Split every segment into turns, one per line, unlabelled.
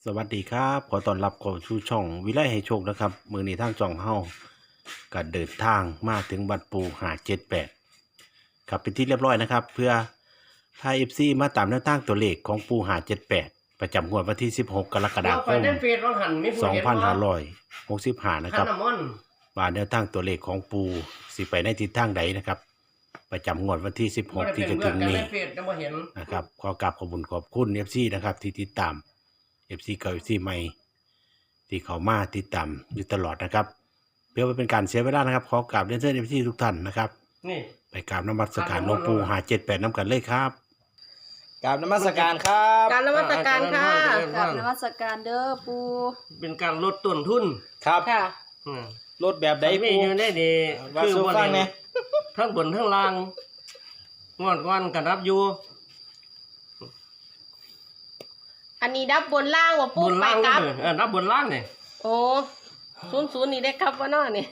สวัสดีครับขอต้อนรับเข้าสู่ช่องวิไลให้โชคนะครับมือนี้ทางจ่องเฮาก็เดินทางมาถึงวัดปู578ครับเป็นที่เรียบร้อยนะครับ เพื่อพา FC มาตามแนวทางตัวเลขของปู578ประจำงวดวันที่16กรกฎาคม2565นะครับว่าแนวทางตัวเลขของปูสิไปในทิศทางใดนะครับประจำงวดวันที่16ที่จะถึงนี้นะครับขอกราบขอบคุณ FC นะครับที่ติดตามFC เก่า FC ใหม่ที่เขามาติดตามอยู่ตลอดนะครับเพื่อไม่เป็นการเสียเวลานะครับขอกราบเรียนเชิญ FC ทุกท่านนะครับ
นี่
ไปกราบนมัสการหลวงปู่578น้ำกันเลยครับ
กราบนมัสการครับ
การนมัสการค่ะ
กราบนมัสการ
นมัสการเด้อปู
เป็นการลดต้นทุน
ครับ
ค่ะ
อืม
รถแบบใด
มี
ปู
อยู่ได้ดี
ว่า
คือ
สู่
บ่
ฟัง
ได้
เนี่ย
ทั้งบนทั้งล่างงอนก้อนกันรับอยู่
อันนี้ดับบนล่างว่าปู
บน
ไป
ล่าง
กลับ
รับบนล่างนี่
โอ้ศูนย์นี่ได้ครับว่าน้อนี่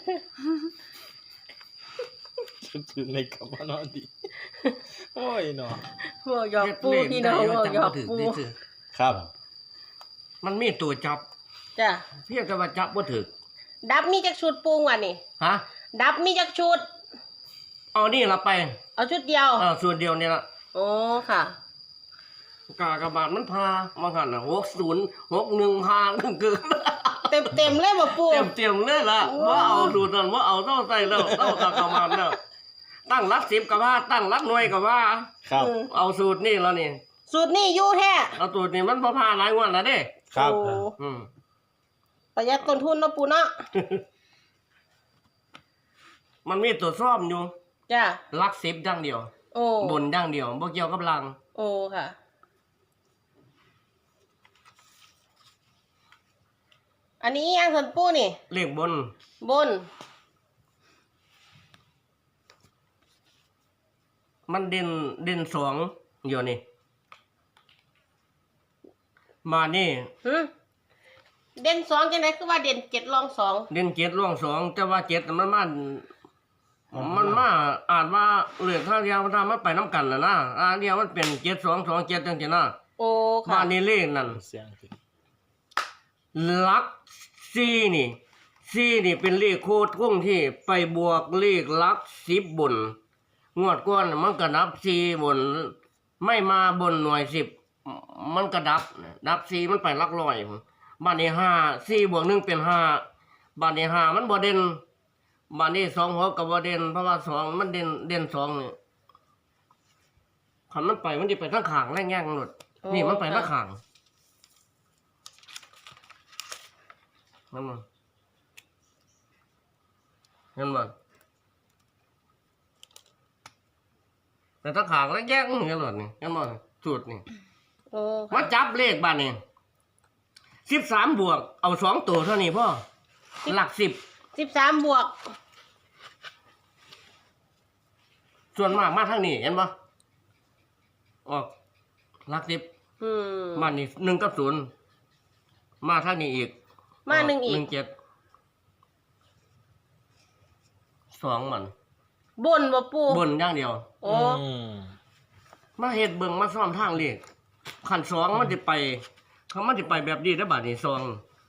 ถึงในคำว่านอนดีโอ้ยเนาะ
บอกหยอกปูพี่น้องบอกหยอกปู
ครับ
มันมีตัวจับ
จ้ะ
เพียงแต่ว่าจับบ่ถึก
ดับมีจักชุดปูว่ะนี่
ฮะ
ดับมีจักชุด
เอานี่ละไป
เอาชุดเดียว
ส่วนเดียวนี่ละ
โอ้ค่ะ
กากบาทมันพามาหันน่ะ6061พาเกิน
เต็มเลยบ่ปู
เต็มเลยล่ะว่าเอาสูตรนั้นว่าเอาเท่าใส่แล้วเท่ากากบาทแล้วตั้งรัก10กับว่าตั้งรักหน่วยกับว่า
ครับ
เอาสูตรนี่แล้วนี่
สูตรนี่อยู่แท้
เอาสูตรนี่มันพอพาหลายงวันแล้วเด้
ครับ
โอ้
อืม
ประหยัดต้นทุนเนาะปูเนาะ
มันมีตัวซ่อมอยู่
จ้ะ
รัก10อย่างเดียว
โอ้
บนอย่างเดียวบ่เกี่ยวกับลัง
โอ้ค่ะ อันนี้ยังสันปูนี่
เลขบน
บน
มันเด่นสองอยู่นี่มานี่
หึเด่นสองจังไดคือว่าเด่นเจ็ดรองสอง
เด่น7ร่วง2แต่ว่า7มันมาอาจว่าเหลือข้างเดียวมันทำมันไปน้ำกันน่ะนะเดียวมันเป็น7227จังซี่นะ
โอ้
บ้า
ค่ะ
นนี้เลขนั่น
เสียงขึ้น
ลัก4นี่เป็นเลขโคตรคงที่ไปบวกเลขลัก10บนงวดก่อนมันก็ดับ4บนไม่มาบนหน่วย10มันก็ดับ4มันไปหลักร้อยบ้านนี้5 4บวก1เป็น5บ้านนี้5มันบ่เด่นบ้านนี้2หัวก็บ่เด่นเพราะว่า2มันเด่น2นี่คันมันไปมันสิไปทางข้างแรงๆหมดนี่มันไปทางข้างนั่นมันเห็นบ่แต่ถ้าขางแล้วแยกเห็นบ่นี่เห็นบ่สูตรนี่
โอ้
มาจับเลขบ้านนี่13บวกเอา2ตัวเท่านี้พ่อหลัก
13บวก
ส่วนมากมาทางนี้เห็นบ่ออกหลัก
อืม
บ้านนี่1กับ0มาทางนี้อีก
มาหนึ่งอีก
17 2มัน
บนบ่ปู
บนอย่างเดียว
โอ้
อืม
มาเฮ็ดเบิ่งมาซ่อมทางเลขขัน2มันสิไปเขามันสิไปแบบนี้ได้อบาดนี้2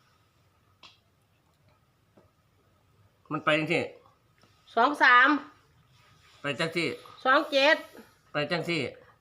มันไปจังซี่
23
ไปจังซี่
27
ไปจังซี่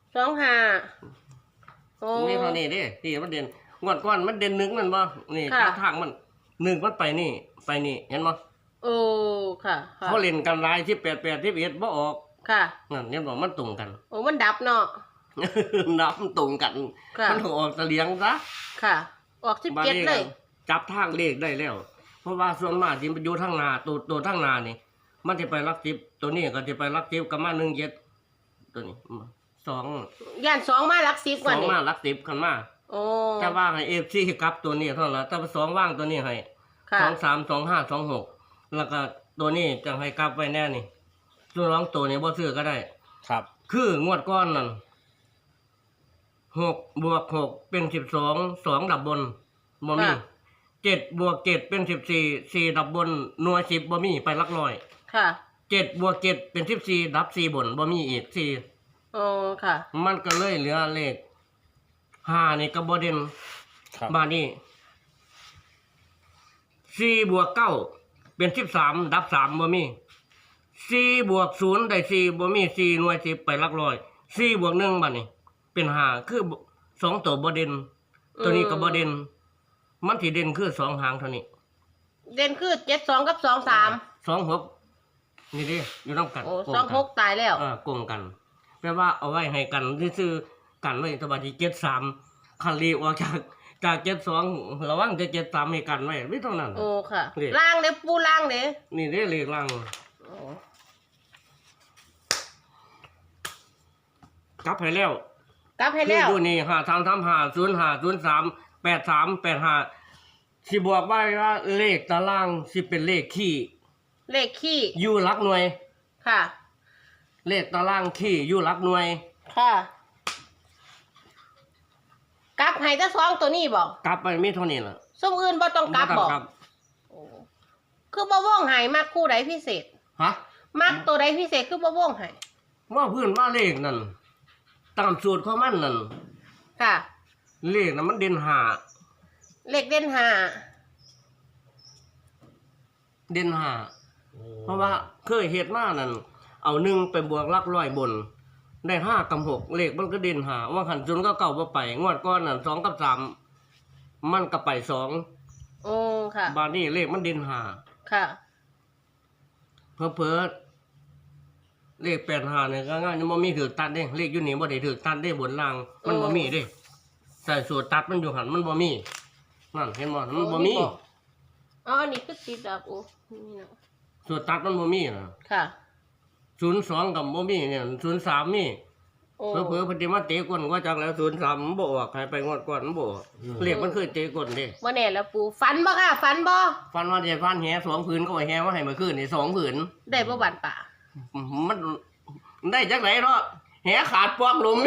25โอ้
นี่เท่านี้เด้ที่มันเด่นงวดก่อนมันเด่น1มันบ่นี่
ค่ะ
ทางมัน1มันไปนี่ไปนี่เห็นบ่
โอ้ค่ะค่ะ
เขาเล่นกันหลายที่88ที่11บ่ออก
ค่ะ
นั่นเห็นบ่มันตรงกัน
โอ้มันดับเนาะ
นับมันตรงกัน
ค่ะ
มันออกตะเลียงซะ
ค่ะ ออก
บาดนี้
17เลย
จับทางเลขได้แล้ว เพราะว่าส่วนมากที่มันอยู่ทางหน้าตัวทางหน้านี่ มันจะไปรัก10ตัวนี้ก็จะไปรัก10กับมา17ตัวนี้2
ย่าน2มาหลัก10กว่า
2
นี่
มารัก10กันมา
โอ้
แต่ว่าให้ FC กลับตัวนี้เท่านั้นละแต่ว่า2ว่างตัวนี้ให้
ค่ะ
23 25 26แล้วก็ตัวนี้จังให้กลับไว้แน่นี่ส่วนรองตัวนี้บ่ซื้อก็ได้
ครับ
คืองวดก้อนนั่น6บวก6เป็น12 2ดับบนบ่มี7บวก7เป็น14 4ดับบนหน่วย10บ่มีไปหลักร้อย
ค่ะ
7บวก7เป็น14ดับ4บนบ่มีอีก4
โอ้ค่ะ
มันก็เลยเหลือเลข5นี่ก็บ่เด่น
ครับ
บ้านนี้4 บวก 9เป็น13ดับ3บ่มี4 บวก 0ได้4บ่มี4หน่วย10ไปหลักร้อย4 บวก 1บัดนี้เป็น5คือ2ตัวบ่เด่นตัวนี้ก็บ่เด่นมันสิเด่นคือ2หางเท่านี้
เด่นคือ72กับ23
26นี่เด้อยู่นำกัน
โอ้
โกงกัน
26ตายแล้ว
โกงกันแปลว่าเอาไว้ให้กันซื่อๆกันไว้สบายที่73คันรีออกจาก72ระวังจะ73ให้กันไว้ไม่เท่านั้น
โอ้ค่ะ
นี่
ล่างเด้ปูล่างเด้
นี่เด้เลขล่าง
โอ้
กลับให้แล้ว
กลับให้
คื
แล้
อ
ว
อยู่นี่533505383สิบอกไว้ว่าเลขตารางสิเป็นเลขขี้
เลขขี้
อยู่หลักหน่วย
ค่ะ
เลขตารางขี้อยู่หลักหน่วย
ค่ะกลับให้แต่2ตัวนี้บ่
กลับไปมีเท่านี้ล่ะ
ซุมอื่นบ่ต้องกลับบ่
ครับ
โอ้คือบ่ว่องให้มักคู่ใดพิเศษ
ฮะ
มักตัวใดพิเศษคือบ่ว่องให้
ว่าเพื่อนว่าเลขนั่นตามสูตรของมันนั่น
ค่ะ
เลขนั้นมันเด่นหา
เลขเด่น5
เด่นหาเพราะว่าเคยเฮ็ดมานั่นเอา1ไปบวกหลักร้อยบน ได้5กับ6เลขมันก็เด่นหาว่าขันจุนก็เก่าบ่ไปงวดก่อนนั่น2กับ3มันก็ไป2
โอ้ค่ะ
บาดนี้เลขมันเด่นหา
ค่ะ
เพ้อเลข85เนี่ยก็ง่ายมันบ่มีถือตัดเด้เลขอยู่นี่บ่ได้ถือตัดเด้บนล่างมันบ่มีเด้ใส่สูตรตัดมันอยู่หั่นมันบ่มีนั่นเห็นบ่มันบ่มี
อ๋ออันนี้คือติดดับโอ้นี่เนาะ
สูตรตัดมันบ่มีน่ะ
ค่ะ
02กับบ่มีเนี่ย03มี
โอ้
เผลอๆเพนสิมาเตะก้นก็จักแล้ว03มันบ่ออกให้ไปงวดก่อนมันบ่ออกเลขมันเคยเตะก้นเด้
บ่แน่แล้วปูฝันบ่ค่ะฝันบ่
ฟันว่าจะฟันแห2ผืนก็ว่าแหมาให้เมื่อคืนนี่2ผืน
ได้บ่บันป่า
มันได้จักไหนเนาะแหขาดปอมหลุม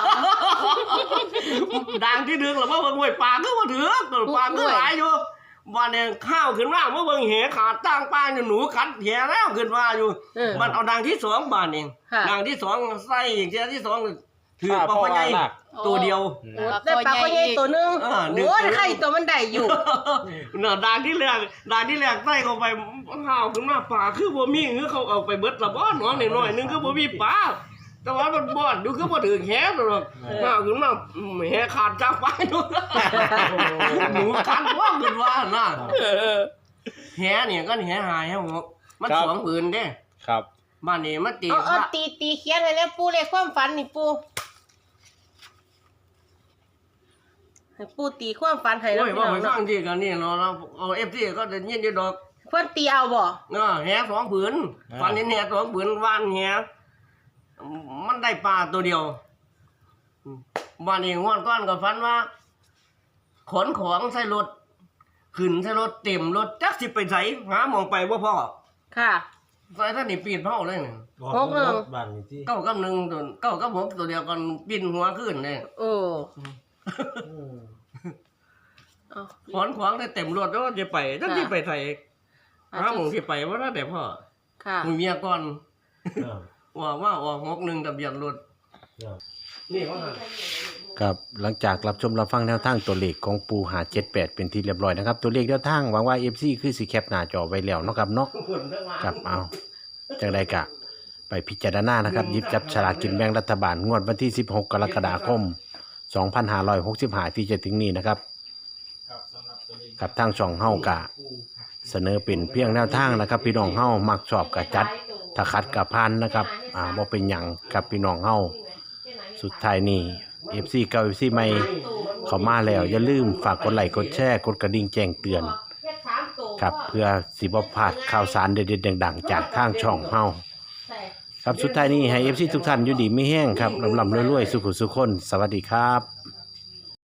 ดังที่ดึงแล้วว่าเบิ่งห้วยปลาก็บ่ถือปลาก็หลายอยู่วันนี้ข้าวขึ้นมาว่าเบิ่งแหขาดตั้งปลาอยู่หนูขัดแหแล้วขึ้นมาอยู่
เออ
มันเอาดังที่2บาทเอง
ค่ะ
ดังที่2ใส่อีกเทียที่2ถือปลา
พ่อ
ใหญ่
หนัก
ตัวเดียว
โอ้ได้ปลาก็ใหญ่ตัวหนึง
ดึง
โอ้ยไข่ตัวมันได้อยู่
น่ะดังที่แรกใส่เข้าไปข้าวขึ้นมาปลาคือบ่มีคือเขาเอาไปเบิดละบ่น้องน้อยๆนึงคือบ่มีปลาแต่ว่ามันบ่อนดูคือบ่ถึงแหหรอกข้าวขึ้นมาแหขาดจากปลาอยู่หนูคันว่าขึ้นว่าน่ะแหเนี่ยก็แหหายแหหกมัน2ผืนเด้
ครับ
บ้านนี้มันตี
เอาตีเขียนให้แล้วปูเลขความฝันนี่ปูให้ปูตีความฝันให้แล้ว
โอ้ย
พี่
ว่า
น้อ
ไป
ง
ฟั
เนาะ
งที่กันนี่เนาะเราเอา FC ก็จะยินอยู่ดอก
เพิ่นตีเอาบ่
แห2ผืนฟันแห2ผืนว่านแหมันได้ปลาตัวเดียวบ้านนี้งวดก่อนก็ฝันว่า ขนของใส่รถขึ้นใส่รถเต็มรถจักสิไปไสหาหมองไปบ่พอ
ค่ะ
ใส่ท่านนี่ปีนเผาเลยนี่
หกหนึ่ง
บ้านนี่ที่
เก้ากับ1ตัวเก้ากับ6ตัวเดียวกันปีนหัวขึ้นเลย
โอ้
อืม
เอา
ขนของได้เต็มรถแล้วจะไปจักสิไปไสหาหมองสิไปบ่ได้แต่พ่อ
ค่ะ
มีเมียก่อน
ครับ
ว่าออก61ทะเบียนรถ
ครับ
นี่ว่า
ครับหลังจากรับชมรับฟังแนวทางตัวเลขของปูหา78เป็นที่เรียบร้อยนะครับตัวเลขแนวทางหวังว่า FC คือสิแคปหน้าจอไว้แล้วเนาะครับเนาะครับเอาจังไดกะไปพิจารณานะครับหยิบจับฉลากกินแบ่งรัฐบาลงวดวันที่16กรกฎาคม2565ที่จะถึงนี้นะครับกับทางช่องเฮากะเสนอเป็นเพียงแนวทางนะครับพี่น้องเฮามักชอบกะจัดถ้าคัดกะพานนะครับบ่เป็นหยังกับพี่น้องเฮาสุดท้ายนี้ FC เก่า FC ใหม่เข้ามาแล้วอย่าลืมฝากกดไลค์กดแชร์กดกระดิ่งแจ้งเตือนครับเพื่อสิบ่พลาดข่าวสารเด็ดๆดังๆจากทางช่องเฮาครับสุดท้ายนี้ให้ FC ทุกท่านอยู่ดีมีแห้งครับลำๆรวยๆสุขสุขคนสวัสดีครับ